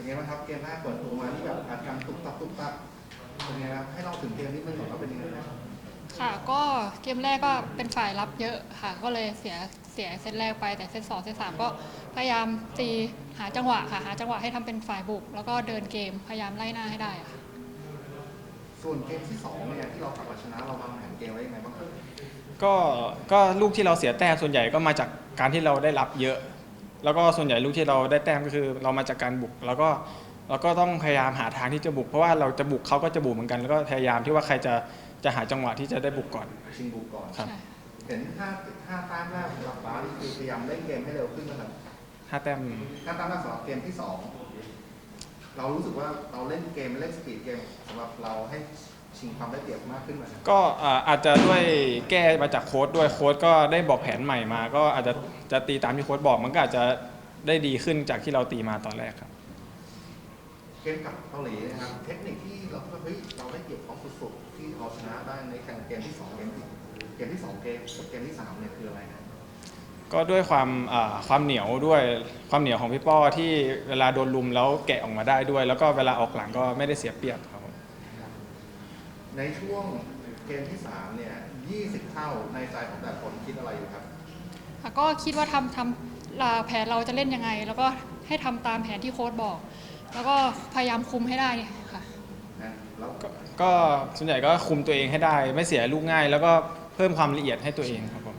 เป็นไงบ้างครับเกมแรกเปิดตัวมาที่แบบอาการตุบตับเป็นไงครับให้เราถึงเกมนี้มันก่อนว่าเป็นยังไงนะค่ะก็เกมแรกก็เป็นฝ่ายรับเยอะค่ะก็เลยเสียเซตแรกไปแต่เซต2เซต3ก็พยายามตีหาจังหวะค่ะหาจังหวะให้ทำเป็นฝ่ายบุกแล้วก็เดินเกมพยายามไล่หน้าให้ได้ค่ะส่วนเกมที่2เนี่ยที่เรากลับมาชนะเราวางแผนเกมไว้ยังไงบ้างครับก็ก็ลูกที่เราเสียแต้มส่วนใหญ่ก็มาจากการที่เราได้รับเยอะแล้วก็ส่วนใหญ่ลูกที่เราได้แต้มก็คือเรามาจากการบุกแล้วก็เราก็ต้องพยายามหาทางที่จะบุกเพราะว่าเราจะบุกเขาก็จะบุกเหมือนกันแล้วก็พยายามที่ว่าใครจะหาจังหวะที่จะได้บุกก่อนชิงบุกก่อนครับเห็น5แต้มแรกของเราบ้านี่คือพยายามเล่นเกมให้เร็วขึ้นนะครับ 5 แต้ม 5แต้มแรกสำหรับเกมที่2เรารู้สึกว่าเราเล่นเกมเล่นสปีดเกมสำหรับเราให้ชิงความได้เปรียบมากขึ้นไหมก็อาจจะด้วยแก้มาจากโค้ชด้วยโค้ชก็ได้บอกแผนใหม่มาก็อาจจะตีตามที่โค้ชบอกมันก็อาจจะได้ดีขึ้นจากที่เราตีมาตอนแรกครับเกมกับเกาหลีนะครับเทคนิคที่เราได้เปรียบเขาสุดๆที่เราชนะได้ในเกมที่2เกมที่2เกมที่3เนี่ยคืออะไรนะก็ด้วยความเหนียวด้วยความเหนียวของพี่ป้อที่เวลาโดนลุมแล้วแกะออกมาได้ด้วยแล้วก็เวลาออกหลังก็ไม่ได้เสียเปรียบครับในช่วงเกมที่3เนี่ย20 เท่าในใจของแต่คนคิดอะไรอยู่ครับก็คิดว่าทำแผนเราจะเล่นยังไงแล้วก็ให้ทำตามแผนที่โค้ชบอกแล้วก็พยายามคุมให้ได้ค่ะแล้วก็ส่วนใหญ่ก็คุมตัวเองให้ได้ไม่เสียลูกง่ายแล้วก็เพิ่มความละเอียดให้ตัวเองครับผม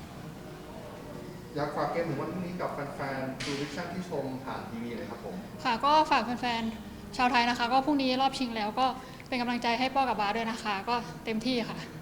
อยากฝากเกมถึงวันพรุ่งนี้กับแฟนๆดูวิชั่นที่ชมผ่านทีวีเลยครับผมค่ะก็ฝากแฟนๆชาวไทยนะคะก็พรุ่งนี้รอบชิงแล้วก็เป็นกำลังใจให้ป้อกับบาสด้วยนะคะก็เต็มที่ค่ะ